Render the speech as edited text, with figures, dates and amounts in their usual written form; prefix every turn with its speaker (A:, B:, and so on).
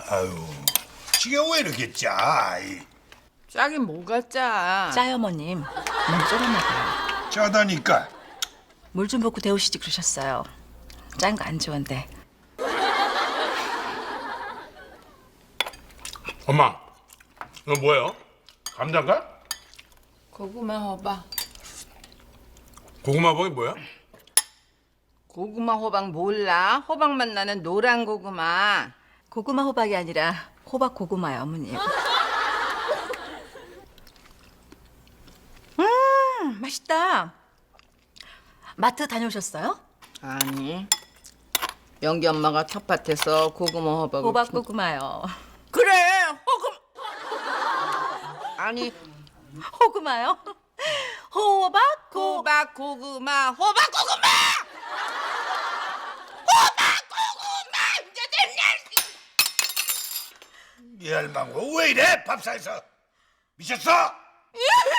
A: 아유, 지게 왜 이렇게 짜?
B: 짜긴 뭐가 짜?
C: 짜요, 어머님. 너무 쫄았나 봐요.
A: 짜다니까.
C: 물 좀 붓고 데우시지 그러셨어요. 짠 거 안 좋은데.
D: 엄마, 이거 뭐예요? 감자인가?
B: 고구마 호박.
D: 고구마 버이 뭐야?
B: 고구마 호박 몰라? 호박맛 나는 노란 고구마.
C: 고구마 호박이 아니라 호박 고구마요, 어머님. 맛있다. 마트 다녀오셨어요?
B: 아니. 영기 엄마가 텃밭에서 고구마 호박을
C: 호박 고구마요.
B: 그래 호금 아니
C: 호구마요? 호박 고
B: 호박 고구마 호박 고구마 이제 됐냐?
A: 이 할망구 왜 이래? 밥상에서 미쳤어?